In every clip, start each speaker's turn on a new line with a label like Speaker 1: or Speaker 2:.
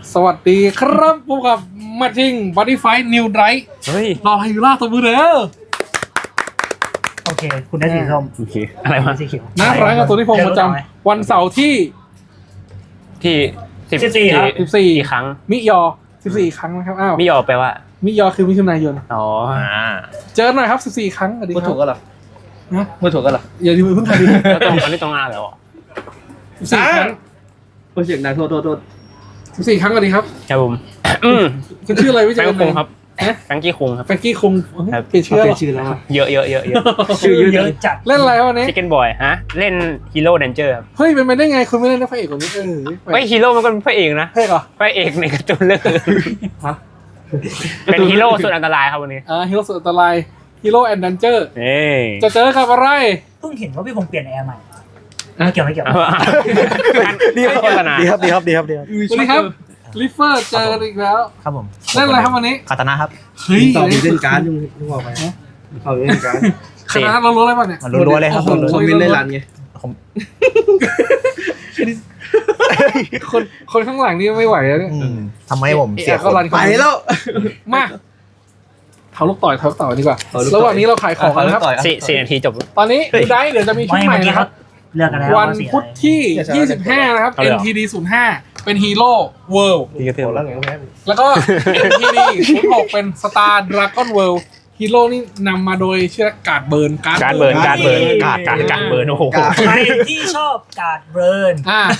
Speaker 1: สวัสดีครับพบกับมาทิงบอดี้ไฟนิวไดร์
Speaker 2: เฮ้ย
Speaker 1: รอไฮยูล่าตัวมือเด้อ
Speaker 3: โอเค คุณได้สีส้ม
Speaker 2: โอเคอะไรวะ
Speaker 3: สีเขียว
Speaker 1: น่ารักกับตัวที่พงประจำวันเสาร์ที่
Speaker 2: ที่
Speaker 3: 14ครับ
Speaker 2: กี่ครั้ง
Speaker 1: มิยอ 14 ครั้งนะครับอ้าว
Speaker 2: ไม่ยอมแปลว่า
Speaker 1: มิยอคือมิถุนายน
Speaker 2: อ๋อ
Speaker 1: เจอหน่อยครับ 14 ครั้งสวัสดีค
Speaker 4: พูด
Speaker 1: รับ
Speaker 4: ถูกกันเหรอ
Speaker 1: นะ
Speaker 4: พูดถูกกันเหรอ
Speaker 1: อย่าลืมเพิ่งทายดิ
Speaker 2: แล้วตรงอันนี้ตรงอ่านแล้วเหรอ
Speaker 1: 14 ครั้ง
Speaker 4: พูดเสียงดังโทษ
Speaker 1: 14 ครั้งสวัสดีครับ
Speaker 2: ครับผม
Speaker 1: คุณชื่ออะไรไม่
Speaker 2: แฟ
Speaker 1: เจ
Speaker 2: ง
Speaker 1: อ
Speaker 2: กี้คุงครับแฟงกี้คุงครับ
Speaker 1: แฟรงกี้คง
Speaker 2: ครับ
Speaker 1: เปลี่ยนชื่อ
Speaker 4: เป
Speaker 1: เหร
Speaker 4: ลี่ย
Speaker 1: อน
Speaker 4: ชื่อแล้วอะ
Speaker 2: เยอะเยอะเยอะเยอะ
Speaker 4: ชื่อเยอะ
Speaker 3: เยอะจัด
Speaker 1: เล่นอะไรวันนี้
Speaker 2: ชิคเก้นบอยฮะ เล่นฮีโร่เดนเจอร์ครับ
Speaker 1: เฮ้ยเป็นไปได้ไงคุณไม่เล่นพระเอกคนนี้
Speaker 2: เฮ้ยฮีโร่มันก็เป็นพระเอกนะ
Speaker 1: พระเอกเหรอ
Speaker 2: พระเอกในการ์ตูนเรื่อง
Speaker 1: ฮะ
Speaker 2: เป็นฮีโร่สุดอันตรายครับวันนี้
Speaker 1: ฮีโร่สุดอันตรายฮีโร่แอนด์ดันเจอร์
Speaker 2: เอ้ย
Speaker 1: จะเจอกับอะไร
Speaker 3: เพิ่งเห็นว่าพี่พงษ์เปลี่ยนแอร์ใหม่ไม่เกี่ยวไม่เกี่ยว
Speaker 2: ดีโฆษณา
Speaker 5: ดีครับ
Speaker 1: สวัสดีครับลิฟเฟอร์เจอกันอีกแล้ว
Speaker 5: ครับผม
Speaker 1: เล่นอะไรครับวันนี้
Speaker 5: คาตานะครับ
Speaker 1: เฮ้ย
Speaker 4: ต่อมีเล่นการ์ดยุ่งบอกไปต่อมีเล่นการ์ด
Speaker 1: คณะเรารู้อะไรป่ะเนี่ย
Speaker 5: มันรัวๆเลยครับ
Speaker 1: โอ้โห
Speaker 4: คอมเมนต์ในรันไง
Speaker 1: คนข้างหลังนี่ไม่ไหวแล้วเนี่ย
Speaker 5: อืมทำให้ผมเสียค
Speaker 1: ก็
Speaker 5: น
Speaker 1: รัน
Speaker 4: ไปแล้ว
Speaker 1: มาเท้าลูกต่อยดีกว่าระหว่างนี้เราขายของกันนะครับ
Speaker 2: สี่นาทีจบ
Speaker 1: ตอนนี้ดูได้เดี๋ยวจะมีชุด
Speaker 3: ไม่
Speaker 1: ใหม่
Speaker 3: เมื่อกี้
Speaker 1: นะค
Speaker 3: เขา
Speaker 1: รับ
Speaker 3: เลือกกันแล้ว
Speaker 1: วัน
Speaker 3: ว่าสี
Speaker 1: พุธ
Speaker 3: อะไร
Speaker 1: ที่ 25 นะครับ NTD 05 เป็นฮีโร่เวิลด์
Speaker 2: ดีกระเทือน
Speaker 4: แล้วไงก็แพ้
Speaker 1: แล้วก็ NTD 06 เป็นสตาร์ดราก้อนเวิลด์ฮีโร่นี่นำมาโดยชื่อการ์ดเบิร์น
Speaker 2: การ์ดเบิร์นการ์ดเบิร์นโอ้โห
Speaker 3: ใครที่ชอบการ์ดเบิร์น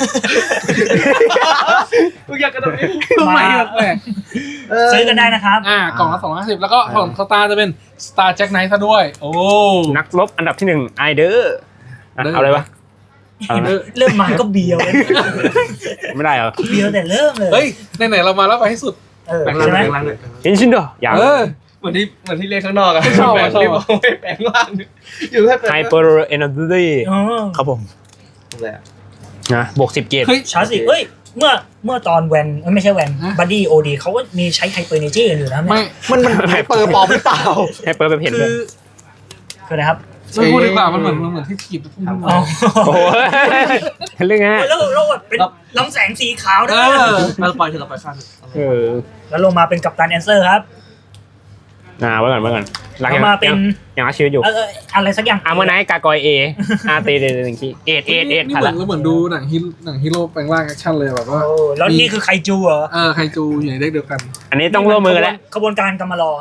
Speaker 4: ทุกอย่างกระโดดนี้
Speaker 1: ทำไมแปลก
Speaker 3: ซื้อกันได้นะครับ
Speaker 1: กล่องละ250แล้วก็ของสตาร์จะเป็นสตาร์แจ็คไนท์ซะด้วย โอ้
Speaker 2: นักรบอันดับที่หนึ่งไอเดอร์เอาเลยวะ
Speaker 3: เริ่มมาก็เบียวเลย
Speaker 2: ไม่ได้เหรอ
Speaker 3: เบียวแต่เริ่มเลย
Speaker 1: เฮ้ยไหนๆเรามาแล้วไปให้สุด
Speaker 3: ใช่ไหม
Speaker 2: อินชินโดอย่าง
Speaker 4: เหมือนที่เล่นข้างนอกอะ
Speaker 1: ชอบ
Speaker 4: แปลง
Speaker 1: ชอบ
Speaker 4: รีบเอาไปแปลงร่างอยู่แค่แปลง
Speaker 2: ไฮเปอร์เอเนอร์จี
Speaker 3: อ๋อ
Speaker 5: ครับผม
Speaker 4: อะไรอะ
Speaker 2: นะบวก10 เกต
Speaker 1: เฮ้ย
Speaker 3: ชาร์จสิเอ้ยเมื่อตอนแวนไม่ใช่แวนบัดดี้โอดีเขาก็มีใช้ไฮเปอร์เนจี้กันอยู่นะ
Speaker 1: ไม่
Speaker 5: มันไฮเปอร์ปลอมหรือเปล่า
Speaker 2: ไฮเปอร์แบบเห็น
Speaker 1: คื
Speaker 2: เลย
Speaker 1: อ
Speaker 3: คืออะไรครับ
Speaker 1: ไม่พูดดีกว่ามันเหมือนที่ขีดทุ่ม
Speaker 3: อ๋อ
Speaker 2: โอ้ยเรื่องไง
Speaker 3: แล้วแบบเป็นลำแสงสีขาว
Speaker 1: เอ
Speaker 3: ด้วย
Speaker 1: อ
Speaker 4: เราปล่อยเถอะเราปล่อยข้าง
Speaker 3: แล้วลงมาเป็นกัปตันแอนเซอร์ครับ
Speaker 2: ไว้ก่อนหลัง
Speaker 3: ลงมาเป็น
Speaker 2: ยังรักชีวิตอยู่
Speaker 3: อะไรสักอย่าง
Speaker 2: อาร์เมอร์ไนท์กากอยเออาร์ตีเดนหนึ่งทีเอ็ด
Speaker 1: นี่
Speaker 2: ทัน
Speaker 1: เหมือ
Speaker 2: ละ
Speaker 1: นเราเหมือนดูหนังฮีโร่แปลงร่างแอคชั่นเลยแบบว่า
Speaker 3: โอ้แล้วนี่คือไคจูเหรอ
Speaker 1: ไคจูอยู่ในเด็กเดียวกัน
Speaker 2: อันนี้ต้องร่วมมือกันแล้ว
Speaker 3: ขบวนการกำมารอ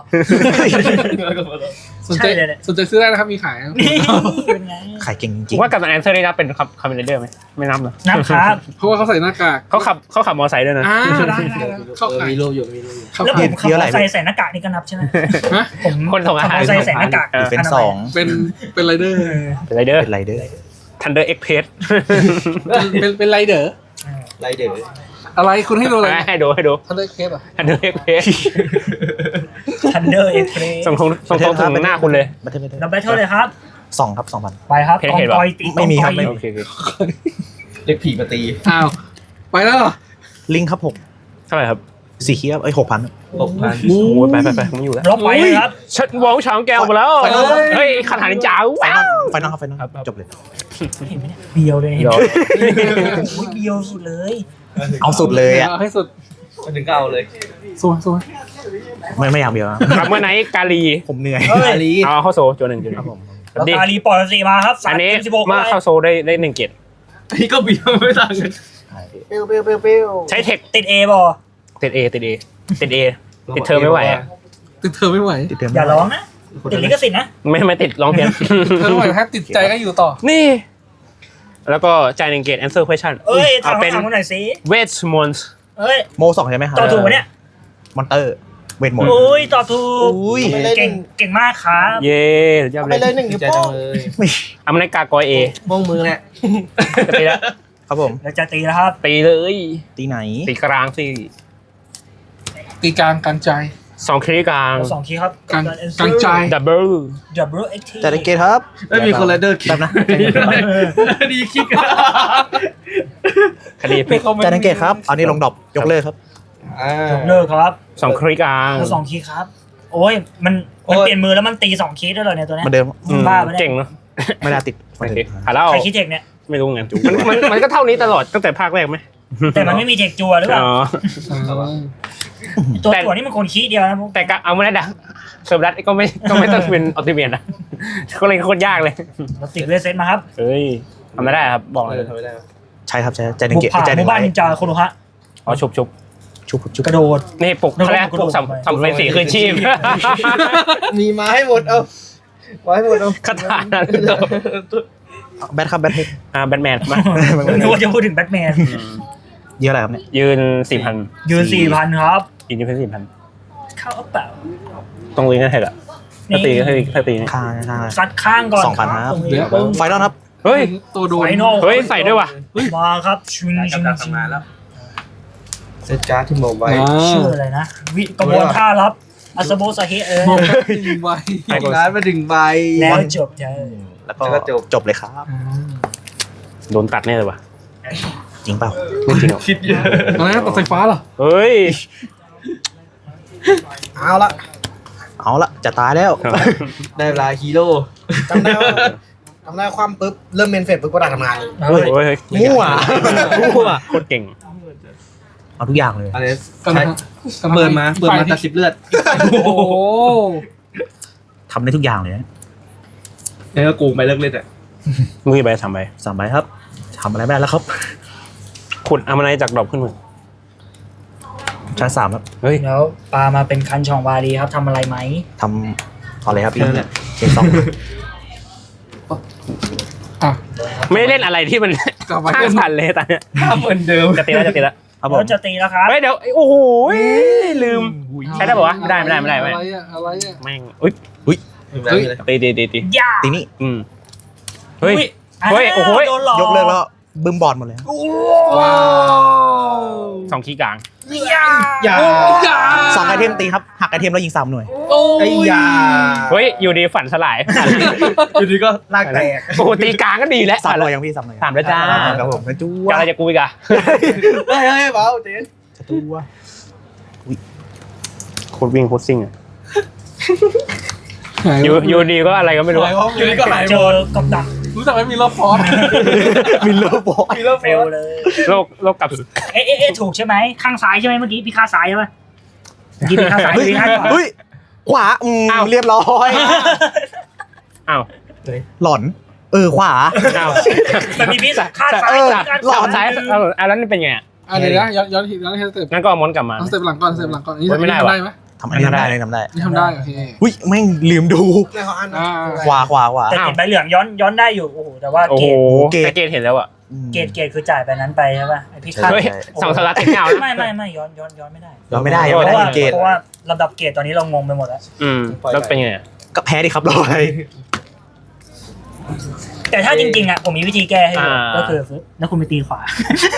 Speaker 1: สนใจ
Speaker 3: ใช่เลยเนี่ย
Speaker 1: สนใจซื้อได้นะครับมีขายนะ
Speaker 3: นี่เป็นไง
Speaker 5: ขายเก่งจ
Speaker 2: ผ
Speaker 5: ริง
Speaker 2: มว่ากับแอนเซอร์ได้นับเป็นคอมเมนเดอร์ไหมไม่นับเหรอ
Speaker 3: นับครับ
Speaker 1: เพราะว่าเขาใส่หน้ากาก
Speaker 2: เขาขับมอไซค์ด้วยนะ
Speaker 1: ได้เข้าขาย
Speaker 4: มีรูปอยู่
Speaker 1: เข้า
Speaker 3: แล้ว
Speaker 1: ขา
Speaker 3: ผ
Speaker 1: ย
Speaker 3: มขับมอเตอร์ไซค์ใส่หน้ากากนี่ก็นับใช่ไหม
Speaker 1: ฮะ
Speaker 3: ผม
Speaker 2: คนส่งอาหาร
Speaker 3: ขับมอเตอร์ไซค์ใส่หน้ากาก
Speaker 5: ดีเฟนสอง
Speaker 1: เป็นไรเดอร์
Speaker 2: เป็นไรเดอร์
Speaker 5: เป็นไรเดอร์
Speaker 2: ทันเดอร์เอ็กเพส
Speaker 1: เป็นไรเดอร์
Speaker 4: ไรเดอร์
Speaker 1: อะไรคุณให้ดูอะไร
Speaker 2: ให้ดู
Speaker 1: ทันได้เคสอ่ะ
Speaker 2: ทันเดอร์เอ็กเพส
Speaker 3: ทันเดอร์เอ็กเพรส
Speaker 2: ส่งถึงหน้าคุณเลย
Speaker 5: บัตเทิล
Speaker 3: นับแบทเทิลเลยครับ
Speaker 5: 2ครับ 2,000
Speaker 3: ไปครับ
Speaker 2: เพจ
Speaker 3: กอง
Speaker 2: เห็นปะ
Speaker 3: กอยตี
Speaker 5: ไม่มีครับ
Speaker 3: กองกอย
Speaker 2: โอเค
Speaker 4: เด็กผีมาตี
Speaker 1: อ้าวไปแล้วเหรอ
Speaker 5: ลิงครับ
Speaker 2: เท่าไหร่ครับ
Speaker 5: 6สีเขียว6,000
Speaker 4: 6,000
Speaker 2: โอ้ยไปผมอยู่แล้ว
Speaker 3: ล็อกไปเลยครับ
Speaker 2: ฉันวองช้างแก้วมาแล้วเฮ้ยคาถานินจา
Speaker 5: ไฟ
Speaker 2: ว้าน
Speaker 5: อ
Speaker 2: ว
Speaker 5: ลไฟนอลครับไฟนอลครับจบเลย
Speaker 3: เห็นไหมเนี่ยเบียวเลยเห็นไหม
Speaker 2: เดี๋ยว
Speaker 3: โอ้ยเบียวสุดเลย
Speaker 5: เอาสุดเลยอ่ะ
Speaker 1: ให้สุด
Speaker 4: มาถึงก็เอาเลย
Speaker 1: สวย
Speaker 5: ไม่อยากเบียวนะ
Speaker 2: อาร์เมอร์ไนท์กาลี
Speaker 5: ผมเหนื่อย
Speaker 3: เฮ้ย
Speaker 4: อาลี
Speaker 2: เอาเข้าโซจวนหนึ่ง
Speaker 5: ครับผม
Speaker 3: แล้ว
Speaker 2: ดี
Speaker 3: กาลีปล่อยสีมาครับ
Speaker 2: อันนี้
Speaker 3: 16
Speaker 2: มาเข้าโซได้1 เกต
Speaker 4: อันนี้ก็เบียร์ไม่ต่างกัน
Speaker 3: เปรี้ยว
Speaker 2: ใช้เทค
Speaker 3: ติดเอบอ
Speaker 2: ติดเอติดเธอไม่ไหวอ่ะ
Speaker 1: ติดเธอไม่ไหว
Speaker 5: ติดเติม
Speaker 3: อย่าร้องนะติดลิขสิทธิ์นะ
Speaker 2: ไม่ติดร้องเพี้ยน
Speaker 1: เธอไม่ไหวแค่ติดใจก็อยู่ต่อ
Speaker 2: นี่ แล้วก็จ่าย1 เกต answer question
Speaker 3: เอ้ยถาม
Speaker 2: เป็น
Speaker 3: คำหน่อยสิ
Speaker 2: เวทมนต์
Speaker 3: เอ้ย
Speaker 5: โม2ใช่ไหมครับ
Speaker 3: ตอบถูกปะเนี่ย
Speaker 5: มอนเตอร์เวทมนต์
Speaker 3: โอ้ยตอบถูก
Speaker 5: อุ้ย
Speaker 3: เก่งมากครับ
Speaker 2: เย่ยอดเลย
Speaker 4: ดีใจจังเลย
Speaker 2: อาร์เมอร์ไนท์กากอยเอ
Speaker 4: ม่วงมือแหละ
Speaker 2: จะตีแล้ว
Speaker 5: ครับผม
Speaker 3: แล้วจะตีแล้วครับ
Speaker 2: ตีเลย
Speaker 5: ตีไหน
Speaker 2: ตีกลางสิ
Speaker 1: ตีกลางกลางใจ
Speaker 2: 2 คลิกกลาง
Speaker 3: 2 ทีครับ
Speaker 1: กลางกลางใจ
Speaker 2: ดับเบิล
Speaker 3: Double XT
Speaker 5: จัดเกตครับ
Speaker 4: ไม่มีคนไรเดอร์คิด
Speaker 5: แบบนะ
Speaker 4: ดีคิด
Speaker 2: คดีพลิก
Speaker 5: จัดเกตครับเอานี่ลงดรอปยกเลิกครับ
Speaker 3: เลิกครับ
Speaker 2: 2 คลิกกลาง
Speaker 3: แล้ว2 คีย์ครับ โอ้ยมันเปลี่ยนมือแล้วมันตี2 คีย์ด้วยเหรอเนี่ยตัวเนี้
Speaker 5: เหมือนเดิม
Speaker 3: บ้าไปะเนี่ย
Speaker 2: เก่งเนาะ
Speaker 5: ไม่ได้ติด
Speaker 2: โอเคหาแล้ว
Speaker 3: ใครคิดเทคเนี่ย
Speaker 2: ไม่รู้ไงมันก็เท่านี้ตลอดตั้งแต่ภาคแรกไหม
Speaker 3: แต่มันไม่มีเทคจัวหรือเปล่า
Speaker 2: อ๋อ
Speaker 3: ตัวจัวนี่มันคนขี้เดียวนะพวก
Speaker 2: แต่ก็เอาไม่ได้ดังเซิร์ฟรัดก็ไม่ต้องเป็นอัลติเมียนะก็เลยโคตรยากเลย
Speaker 3: เราติดเวสเซตมาครับ
Speaker 2: เฮ้ยทำไม่ได้ครับบอกเลย
Speaker 4: ทำไม่ได้
Speaker 5: ใช่ครับใช่ใจหนึ่
Speaker 3: บุ
Speaker 5: ง
Speaker 3: ก
Speaker 5: เกต
Speaker 3: ผ่าน
Speaker 5: ใจห
Speaker 3: ห
Speaker 5: นึ่
Speaker 3: มู่
Speaker 5: ง
Speaker 3: บ้านนินจาโคโนฮะ
Speaker 2: อ๋อชุบ
Speaker 5: ชุบ
Speaker 3: กระโดด
Speaker 2: นี่ปลุกเขาเรียกปลุกสัมเป็นสีคืนชีพ
Speaker 4: มีมาให้หมดเอามาให้หมดเอา
Speaker 2: คาถานั้น
Speaker 5: แบทครับแบทเฮด
Speaker 2: แบทแมนมา
Speaker 3: นึกว่าจะพูดถึงแบทแมน
Speaker 5: เยอะอะไรครับเนี่ย
Speaker 2: ยืน4,000
Speaker 3: ยืน 4,000 ครับ
Speaker 2: ยืนเป็น4,000
Speaker 3: เข้าเปล่า
Speaker 2: ตรงลิงก์นั่นเถอะถ้าตีนี่
Speaker 5: ข้างข้าง
Speaker 3: ซัดข้างก่อน
Speaker 5: 2,000ครับ
Speaker 3: ตรงนี้
Speaker 5: ไฟนอลครับ
Speaker 2: เฮ้ย
Speaker 1: ตัวโดน
Speaker 3: ไฟนอล
Speaker 2: เฮ้ยใส่ด้วยว่ะ
Speaker 3: มาครับชุนชุน
Speaker 4: ทำงานแล้วเซตการ์ดที่โมไว้
Speaker 3: ชื่ออะไรนะวิกระบวนท่ารับอัสโบสเฮเออ
Speaker 1: มองดึงไว้
Speaker 4: การ์ดมาดึงใบ
Speaker 3: แล้วจบเธอ
Speaker 5: แล้วก็
Speaker 4: แล้วก็จบ
Speaker 5: เลยครับ
Speaker 2: โดนตัดแน่เลยว่ะ
Speaker 5: จริงเปล่า
Speaker 2: ไม่จริงหรอ
Speaker 4: คิดเยอะ
Speaker 1: อะไรนะตัดไฟฟ้าเหรอ
Speaker 2: เฮ้ย
Speaker 4: เอาละ
Speaker 5: เอาละจะตายแล้ว
Speaker 4: ได้เวลาฮีโร่
Speaker 6: จำได้ว่าทำได้ความปุ๊บเริ่มเมนเฟสปุ๊บก็ได้ทำงานเลย
Speaker 2: เฮ้ย
Speaker 5: มั่ว
Speaker 2: โคตรเก่ง
Speaker 5: เอาทุกอย่างเลย
Speaker 4: อะไร
Speaker 1: กัน
Speaker 4: ใช้
Speaker 1: นะ
Speaker 4: เปิดมาตัดสิบเลือด
Speaker 1: โอ้โห
Speaker 5: ทำได้ทุกอย่างเลยนะ
Speaker 4: แล้วก็กูไปเลิกเล่นอ่ะ
Speaker 2: มือไป3 ใบ
Speaker 5: 3 ใบครับทำอะไรไม่ได้แล้วครับ
Speaker 2: ขุดเอามาในจากดอกขึ้นมือ
Speaker 5: ชาร์จ3ครับ
Speaker 2: เฮ้ย
Speaker 3: แล้วปลามาเป็นคันช่องวารีครับทำอะไรไหม
Speaker 5: ทำเอาเลยครับพี่เช็คสอง
Speaker 1: อ่ะ
Speaker 2: ไม่ได้เล่นอะไรที่มัน
Speaker 1: กลับมา
Speaker 2: ข้า
Speaker 1: เล่
Speaker 2: ง
Speaker 1: น
Speaker 2: พันเลยตอนเนี้ย
Speaker 4: ภาพเหมือนเดิม
Speaker 2: จะตีแล้ว
Speaker 5: ครับผม
Speaker 3: แล้วจะตีแล้วครับ
Speaker 2: เฮ้ยเดี๋ยวโอ้โหลืมใช้ได้ป่าวะไม่ได้
Speaker 1: อะไรอะอะไรอะ
Speaker 2: แม่งอุ้ย ตี
Speaker 3: ย่า
Speaker 5: ตีนี่
Speaker 2: เฮ้ย เฮ้ยโอ้โห
Speaker 3: โดนหลอก
Speaker 5: ยกเลิกแล้วบึ้มบอลหมดเลยครับ
Speaker 1: ว้าว
Speaker 2: 2 ขี้กลาง
Speaker 3: ย่า
Speaker 4: อย่า
Speaker 5: 2 ไอเทมตีครับหักไอเทมแล้วยิง3 หน่วย
Speaker 1: โอ้
Speaker 4: ไอ้ยา
Speaker 2: เฮ้ยอยู่ดีฝันสลาย
Speaker 4: อยู่ดีก็ลากแตก
Speaker 2: โอ้โหตีกลางก็ดีแล้ว
Speaker 5: 3 หน่วยยังพี่3 หน่วย
Speaker 2: 3แล้วจ้า
Speaker 5: ครับผมกระจู้
Speaker 2: อะไรจะกูอีกอะ
Speaker 4: เฮ้ยเบาเจน
Speaker 5: กระจู้
Speaker 2: โคตรวิ่งโคตรซิ่งอะอยู่ดีก็อะไรก็ไม่รู้
Speaker 4: อยู่ดีก็หาย
Speaker 3: เจ
Speaker 4: หม
Speaker 3: อ
Speaker 4: ด
Speaker 3: กับดัก
Speaker 1: รู้จักไหมมีรอบฟอส
Speaker 5: มิลเลอร์บอย
Speaker 3: เฟลเลย
Speaker 2: โลกกับ
Speaker 3: เอ๊ะถูกใช่ไหมข้างซ้ายใช่ไหมเมื่อกี้พี่ข้างซ้ายใช่ไหมเมื่อกี้พี่ข้างซ้าย
Speaker 5: เฮ้ย
Speaker 3: พี่ข้างขวา
Speaker 5: เฮ้ยขวาเรียบร้อย
Speaker 2: อ้าว
Speaker 5: หล่อนขวา
Speaker 2: อ้าว
Speaker 3: มันมีพี่ข้างซ้ายข้าง
Speaker 2: หลอ
Speaker 3: ขวา
Speaker 2: ดซ้ายแล้วนี่เป็นไง
Speaker 1: อ่ะเดี๋ยวนะย้อนสเต็ป
Speaker 2: งั้นก็ม้วนกลับมา
Speaker 1: เอาสเต็ปหลังก่อนสเต็ปหลังก่อนนี่
Speaker 2: ไม่ได้
Speaker 1: ทำ
Speaker 2: วะ
Speaker 1: ได้ไหม
Speaker 5: ทำอันนี้ทำได้เลยทำได้
Speaker 1: นี่ทำได้โอเค
Speaker 5: อุ้ยแม่งลืมดู
Speaker 6: ในเขาอ่าน
Speaker 1: อ่า
Speaker 5: ขวา
Speaker 3: แต่ติดใบเหลืองย้อนได้อยู่โอ้โหแต่ว่า
Speaker 2: โอ้
Speaker 3: เก
Speaker 2: โห
Speaker 3: รด
Speaker 2: แต่เกตเห็นแล้วอะ
Speaker 3: เกรดคือจ่ายไปนั้นไปใช่ป่ะไอพี่ข้าง
Speaker 2: เฮ้ย2 สลัดติดเงา
Speaker 3: ไม่ย้อนไม่ได้
Speaker 5: เราไม่ได้
Speaker 3: เพ
Speaker 5: ยังไม่
Speaker 3: ราะ
Speaker 5: ได้
Speaker 3: ว่า
Speaker 5: เกต
Speaker 3: เพราะว่าลำดับเกรดตอนนี้เรางงไปหมดแล้ว
Speaker 2: แล้วเป็นไง
Speaker 5: ก็แพ้ดิครับรอย
Speaker 3: แต่ถ้าจริงๆอ่ะผมมีวิธีแก้ให้อยู่ก็คือแล้วคุณไปตีขวา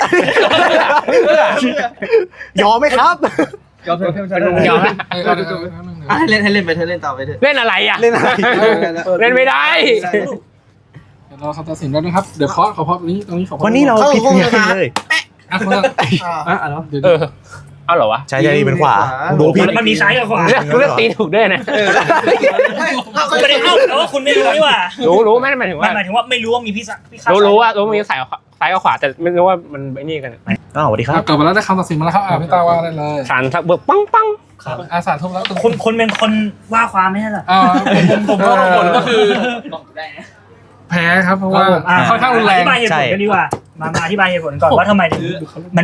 Speaker 5: ยอมไหมครับ
Speaker 4: ยอมเพื่อน
Speaker 2: ยอมนะ
Speaker 4: ให้เล่นไปเธอเล่นต่อไปเถอะ
Speaker 2: เล่นอะไรอะ
Speaker 5: เล่นอะไร
Speaker 2: เล่นไม่ได้
Speaker 1: เดี๋ยวเราคำตัดสินแล้วนะครับเดี๋ยวขอพอตรงนี้ขอพอ
Speaker 5: วันนี้เราผิดกันเลย
Speaker 1: อ่ะคนละ เดี๋ยว
Speaker 2: เอาเหรอวะ
Speaker 5: ใช่เป็นขวาดูผิด
Speaker 3: มันมีซ้ายกับขวา
Speaker 2: เลือกตีถูกด้วยนะ
Speaker 3: ไม่ได้เข้าแต่ว่าคุณไม่รู้นี่หว่า
Speaker 2: รู้ไม่ได้หมายถึงว่า
Speaker 3: หมายถึงว่าไม่รู้ว่ามีพี่ข้าง
Speaker 2: รู้ว่ามีซ้ายกับขวาแต่ไม่รู้ว่ามันไอ้นี่กัน
Speaker 5: สวัสดีครับ
Speaker 1: กลับมาแล้วได้คำตัดสินมาแล้วครับพี่ตาว่าได้เลย
Speaker 2: สารทักเบิกปัง
Speaker 1: อาสาทุ่มแล้ว
Speaker 3: คุณเป็นคนว่าความไม่ใช่หรอ
Speaker 1: ผมว่าผลก็คือแพ้ครับเพราะว่าค่อนข้างรุนแร
Speaker 3: อง ธิบายเหตุผลกันดีกว่ามาอธิบายเหตุผลก่อนว่าทำไมถึงมัน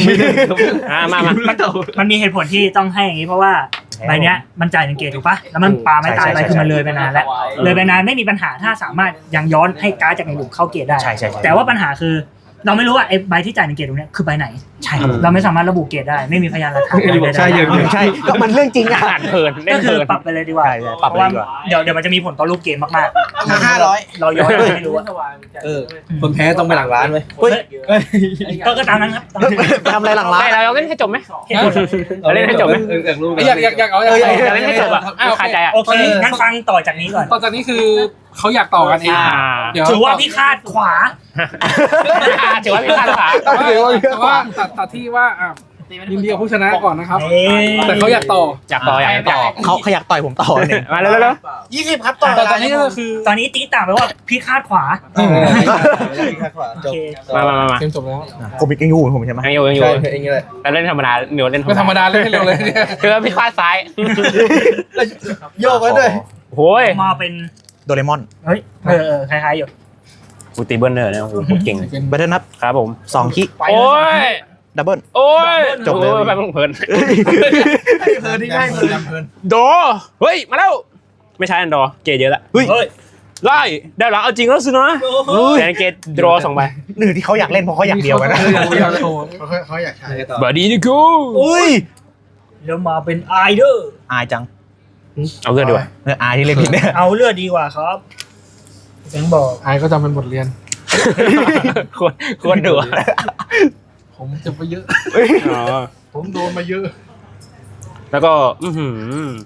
Speaker 3: มันมีเหตุผลที่ต้องให้อย่างนี้เพราะว่าใบเนี้ยมันจ่าย1 เกรดถูกปะแล้วมันปาไม่ตายไปคือมันเลยไปนานแล้วเลยไปนานไม่มีปัญหาถ้าสามารถยังย้อนให้การ์ดจากในหลุมเข้าเกรดได้
Speaker 5: ใช่
Speaker 3: แต่ว่าปัญหาคือเราไม่รู้ว่าไอ้ใบที่จ่าย1 เกรดตรงเนี้ยคือใบไหน
Speaker 5: ใช่ครับ
Speaker 3: เราไม่สามารถระบุเกรดได้ไม่มีพยานหลักฐานอะไร
Speaker 4: ใช่เยอะ
Speaker 5: ใช่ก็มันเรื่องจริงอ่ะ
Speaker 2: อ่านเพลินเล่
Speaker 3: ก็
Speaker 2: นเพ
Speaker 3: คื
Speaker 2: ลิ
Speaker 3: อน ปรับไปเลยดีกว่า
Speaker 5: ปรับไป
Speaker 3: เพราะว่า
Speaker 5: ดีกว่า
Speaker 3: เดี๋ยวมันจะมีผลต่อรูปเกมมาก
Speaker 6: 500
Speaker 3: ๆเราย้อนไม่รู้อะ
Speaker 4: คนแพ้ต้องไปหลังร้านไว้
Speaker 3: ก็ตามนั้นครับ
Speaker 5: ไปทำอะไรหลังร้าน
Speaker 2: ได้เราเล่นให้จบไหม
Speaker 3: เหตุผล
Speaker 2: เราเล่นให้จบไหม
Speaker 4: อยากรู้
Speaker 1: อยากเอา
Speaker 2: เราเล่นให้จบอะไม่คาใจอะ
Speaker 3: โอเคงั้นฟังต่อจากนี้ก่อน
Speaker 1: ต่อจากนี้คือเขาอยากต่อกันเองเดี๋ยว
Speaker 3: ถือว่าพี่คาดขวา
Speaker 2: ถือว่าพี่คาดขวา
Speaker 1: แต่ว่าตัดที่ว่ายินดีกับผู้ชนะก่อนนะครับ
Speaker 3: เอ้ย
Speaker 1: แต่เขาอยากต่อ
Speaker 2: อยากต่ออยากต่อ
Speaker 5: เขาอยากต่อยผมต่อเนี่ย
Speaker 2: มาเร็ว
Speaker 6: 20 ครับต่อ
Speaker 1: แต่ตอนนี้ก็คือ
Speaker 3: ตอนนี้ตีต่างไปว่าพี่คาดขวา
Speaker 6: จบ
Speaker 2: ๆมา
Speaker 1: เกมจบแล้ว
Speaker 5: ผมอีกยังอยู่ผมใช่ไหม
Speaker 2: ยังอยู่
Speaker 6: ใช่เองเลย
Speaker 2: แล้วเล่นธรรมดาเหนียวเล่น
Speaker 1: ไม่ธรรมดาเล่นให้เร็วเลยเนี่ย
Speaker 2: คือพี่คว้าซ้าย
Speaker 6: โยกไว้ด้วย
Speaker 2: โอ้ย
Speaker 3: มาเป็น
Speaker 5: โดเรมอน
Speaker 3: เฮ้ยคล้ายๆอยู่
Speaker 2: กูตีเบิร์นเนอร์เนี่ยโอ้โหเก่ง
Speaker 1: เป็น
Speaker 5: แบตเทิลนับ
Speaker 2: ครับผม
Speaker 5: 2 คิ
Speaker 2: โอ้ย
Speaker 5: ดับเบิล
Speaker 2: โอ้ย
Speaker 5: จบเลย
Speaker 2: โอ้ไปเพลิน
Speaker 6: เพลินที่ง่ายเพลิน
Speaker 2: โดเฮ้ยมาแล้วไม่ใช่อันดอเกตเยอะละ
Speaker 5: เฮ้ย
Speaker 3: เฮ้ย
Speaker 2: ไล่ได้แล้วเอาจริงแล้วสินะแต่เกตดรอ2ใบ
Speaker 5: หนึ่งที่เขาอยากเล่นเพราะเขาอยากเดียวกันนะ
Speaker 1: อยากโชว์
Speaker 6: เขาอยากใช้ต่อ
Speaker 2: บอดี้ดิกู
Speaker 5: อุ้ย
Speaker 3: แล้วมาเป็นไอเดอร์
Speaker 5: อายจัง
Speaker 2: เอาเลือดดีกว่า
Speaker 5: เนี่ยอายที่เล่นผิดเนี่ย
Speaker 3: เอาเลือดดีกว่าครับแบงค์บอก
Speaker 1: ไอ้ก็จำเป็นบทเรียน
Speaker 2: ควรดูอะ
Speaker 1: ผมเจ็บไปเยอะ
Speaker 2: อ๋อ
Speaker 1: ผมโดนมาเยอะ
Speaker 2: แล้วก็อือหือ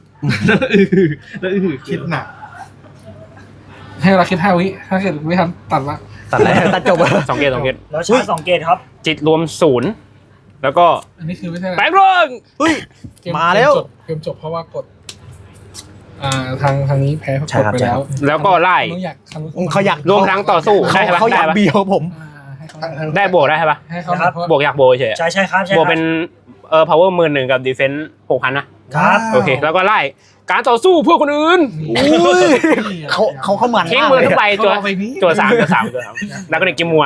Speaker 6: คิดหนัก
Speaker 1: ให้เราคิด5 วิถ้าเกิดไม่ทันตัดละ
Speaker 5: ตัดแล้วตัดจบอะ
Speaker 2: 2 เกต2 เกต
Speaker 3: แล้วชาร์จ2 เกตครับ
Speaker 2: จิตรวม0แล้วก็
Speaker 1: อันนี้คือไม่ใช่
Speaker 2: แปลงร่าง
Speaker 5: เฮ้ย
Speaker 1: เกม
Speaker 5: มาแล้ว
Speaker 1: เกมจบเพราะว่ากดทางนี้แพ้เพราะกดไปแล้ว
Speaker 2: แล้วก็ไล่
Speaker 5: เขาอยาก
Speaker 2: รวมพลังต่อสู้ได้ใช่ปะ
Speaker 5: เขาอยาก
Speaker 2: ได้ปะ
Speaker 5: เบียวผม
Speaker 1: ให้เขา
Speaker 2: ได้บวกได้ใช่ปะ
Speaker 1: ให้เขา
Speaker 3: ครับ
Speaker 1: เพราะ
Speaker 2: บวกอยากโบยเฉย
Speaker 3: ใช่ครับใช่
Speaker 2: บวกเป็นpower 10,000กับ defense 6,000นะครับ โอเค แล้วก็ไล่การต่อสู้เพื่อคนอื่น
Speaker 5: อุ้ยเขาเข้ามัน
Speaker 2: ทิ้ง
Speaker 5: มาก
Speaker 2: มือ
Speaker 5: เลย
Speaker 2: ทุกใบ
Speaker 5: อะ
Speaker 2: ตัว
Speaker 1: เอาไปนี้
Speaker 2: ตัว3แล้วก็เด็กกิมมัว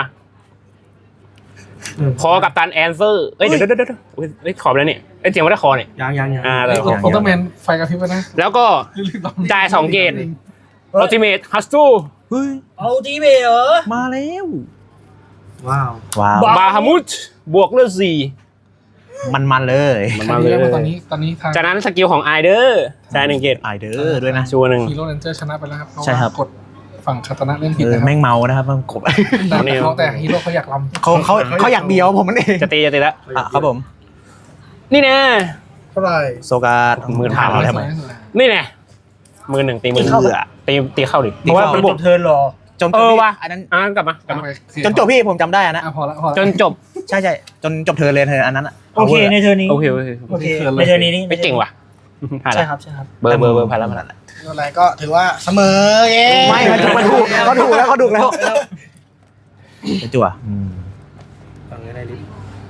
Speaker 2: คอกับตันแอนเซอร์เอ้ยเดี๋ยวเฮ้ยขอบแล้วนี่เอ้ยเสียงว่าได้คอเนี่ย
Speaker 6: ยัง
Speaker 2: เลย
Speaker 1: อุลตร้าแมนไฟกระพริบไปนะ
Speaker 2: แล้วก็จ่าย2 เกต ultimate h u s t l
Speaker 5: เฮ้ย
Speaker 3: เอาทีเบเหรอ
Speaker 5: มาแล้ว
Speaker 6: ว้าว
Speaker 5: ว้าว
Speaker 2: บาฮามุตบวกเลือด
Speaker 5: มันเลย
Speaker 2: 4มัน
Speaker 1: มา
Speaker 2: มา
Speaker 1: เล
Speaker 2: เลย ย
Speaker 1: ตอนนี้ทาง
Speaker 2: จากนั้นสกิลของไอเดอร์จ่าย1 เกต
Speaker 5: ไอเดอร์ด้วยนะ
Speaker 2: ชัวร์หนึ่ง
Speaker 1: ฮีโร่เรนเจอร์ชนะไปแล้วครับเพราะ
Speaker 5: ใช่ครับ
Speaker 1: ว่ากดฝั่งคาตานะเล่นผิด
Speaker 5: เออ
Speaker 1: นะครับ
Speaker 5: แม่งเมานะครับมันกบ
Speaker 1: แต่ฮีโร่เขาอยากลำ
Speaker 5: เขาอยากเบียวผมมันเอง
Speaker 2: จะตีแล้ว
Speaker 5: อ่ะครับผม
Speaker 2: นี่แน่
Speaker 6: เท่าไหร่
Speaker 5: โซกา
Speaker 2: มือถาม
Speaker 5: อะไร
Speaker 1: ส
Speaker 5: ทำไม
Speaker 1: วยที่สุดแล้ว
Speaker 2: นี่แน่มือ 1 ตีมือ
Speaker 5: เข้า
Speaker 2: ตีเข้าดิ
Speaker 5: ตี
Speaker 2: เพราะว่า
Speaker 5: เข้า
Speaker 2: มัน
Speaker 3: บบ ว
Speaker 2: ว
Speaker 3: ก
Speaker 2: ก
Speaker 3: เทิร์นรอ
Speaker 5: จน
Speaker 2: ว่ะ
Speaker 5: อันนั้น
Speaker 2: กลับมา
Speaker 5: จนจบพี่ผมจำได้อะนะ
Speaker 1: พอละ
Speaker 2: จนจบ
Speaker 5: ใช่จนจบเธอเลยเธออันนั้นอะ
Speaker 3: โอเคในเทิร์นนี้
Speaker 2: โอเค
Speaker 3: โอเคในเทิร์นนี้นี่
Speaker 2: ไม่เก่งว่ะผ่าน
Speaker 3: ใช่
Speaker 2: ละ
Speaker 3: ครับใช่ครับ
Speaker 2: เบอร์ผ่านละ
Speaker 6: อะไรก็ถือว่าเสมอเย้
Speaker 5: ไม่มันถูกเขาถูกแล้วเขาถูกแล้วจั่ว
Speaker 6: ฟังได้ดิ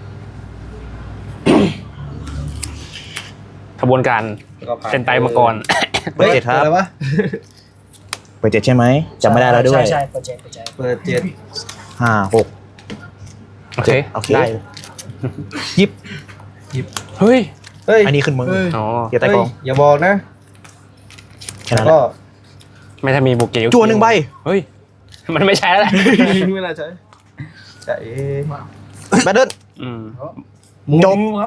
Speaker 2: ขบวนการเซนไตมังกร
Speaker 5: เปิดเจ็ดครับ
Speaker 6: อะไรวะ
Speaker 5: เปิดเจ็ดใช่ไหมจำไม่ได้แล้วด้วย
Speaker 3: ใช่เปิดเจ็ด
Speaker 6: เปิด7
Speaker 5: 5 6
Speaker 2: โอเค
Speaker 5: โอเคได้ยิบ
Speaker 2: เฮ้ย
Speaker 6: เฮ้ย
Speaker 5: อันนี้ขึ้นมือ
Speaker 2: อ๋อ
Speaker 5: เกียร์ใต้กอง
Speaker 6: อย่าบอกนะ
Speaker 5: แค่นั้นแห
Speaker 6: ก็
Speaker 5: ละ
Speaker 2: ไม่ถ้ามีบุกเกล
Speaker 5: จั่ว1 ใบ
Speaker 2: เฮ้ยมันไม่ใช่แล้วแหละ
Speaker 6: ไม่น่าใช่ใช่
Speaker 5: แบตเทิล จบ
Speaker 6: ครับ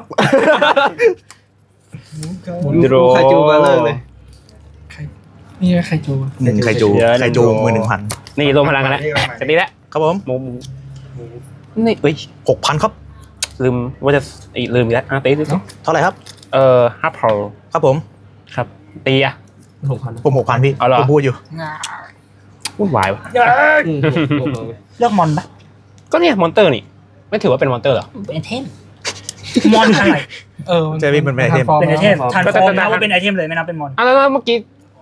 Speaker 2: โด
Speaker 6: ใครจูมาเลิกเลย
Speaker 1: นี่ใครจู
Speaker 5: 1 ไคจูมือ 1,000
Speaker 2: นี่รวมพลังกันแล้วจะตีแล้ว
Speaker 5: ครับผม
Speaker 2: มุมนี่เอ้ย
Speaker 5: 6,000 ครับ
Speaker 2: ลืมว่าจะลืมอีกแล้วตีสิ
Speaker 5: เท่าไหร่ครับ
Speaker 2: ฮับเพล
Speaker 5: ครับผม
Speaker 2: ครับตีอะ
Speaker 5: ผม 6,000 พี่
Speaker 2: เอาเหรอ
Speaker 5: ผมพูดอยู่
Speaker 2: วุ่นวายวะ
Speaker 3: เลือกมอนปะ
Speaker 2: ก็เนี่ยมอนเตอร์นี่ไม่ถือว่าเป็นมอนเตอร์เหรอ
Speaker 3: เป็นไอเทมมอนอะไร
Speaker 5: ใช่พี่มันเป็นไอเทม
Speaker 3: เป็นไอเทมทานฟอร์มนะว่าเป็นไอเทมเลยไม่นับเป็นมอน
Speaker 2: แล้วเมื่อกี้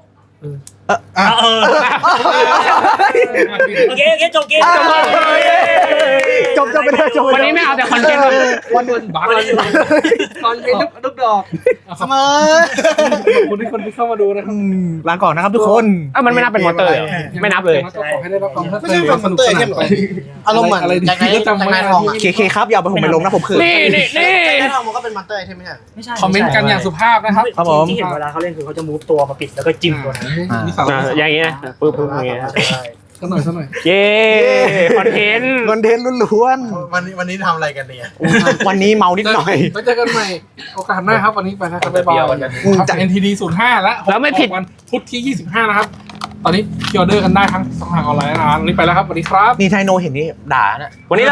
Speaker 3: โอเคจบเกม
Speaker 5: จบไปเลยจบไป
Speaker 2: วันนี้ไม่เอาแต่คอนเทนต์
Speaker 1: วันบ้าเลย
Speaker 6: ตอนเป็นลูกดอก
Speaker 5: เสมอ
Speaker 1: ขอบคุณที่คนที่เข้ามาดูนะครับ
Speaker 5: ลาก่อนนะครับทุกคน
Speaker 2: มันไม่นับเป็นมอนเตอร์เหรอไม่นับเลย
Speaker 1: ก็ขอให้ได้รับความเพลิดเพ
Speaker 6: ไม่
Speaker 1: ลิ
Speaker 6: ใช่
Speaker 1: น
Speaker 6: เป็นมอนเตอร์ไอเทมหรออารมณ์เหมือน
Speaker 1: อะไร
Speaker 6: จากไหน
Speaker 1: ที่จำ
Speaker 6: จาก
Speaker 1: ไม่
Speaker 6: ไหน
Speaker 1: ได้
Speaker 6: ทองอ่ะ
Speaker 5: เคครับอย่าเอาไปผมไปลงนะผมคือ
Speaker 2: นี่
Speaker 6: จากไหนทองมันก็เป็นมอนเตอร์ไอเทมไม่ใช่
Speaker 3: ไม่ใช่
Speaker 1: คอมเมนต์กันอย่างสุภาพนะครับ
Speaker 5: ครับผม
Speaker 3: ที่เห็นเวลาเขาเล่นคือเขาจะมูฟตัวมาปิดแล้วก็จิ้มตัวนั้น
Speaker 1: นี่สาว
Speaker 2: อย่างงี้นะปึ๊บอย่างงี้
Speaker 1: สักหน่อย
Speaker 2: เย้คอนเทนต์
Speaker 5: คอนเทนต์ล้วน
Speaker 6: วันนี้ทำอะไรกันเนี่ย
Speaker 5: ๆวันนี้เมานิดหน่อย
Speaker 1: ไว้เจอกันใหม่โอกาสหน้าครับวันนี้ไปนะครับบ๊ายบายครับจาก NTD 05แล้ววันพุธที่25นะครับตอนนี้พิออเดอร์กันได้ทั้ง2ทางออนไลน์นะวันนี้ไปแล้วครับสวัสดีครับ
Speaker 5: นี่ไทโนเห็นนี่ด่านะ
Speaker 2: วันนี้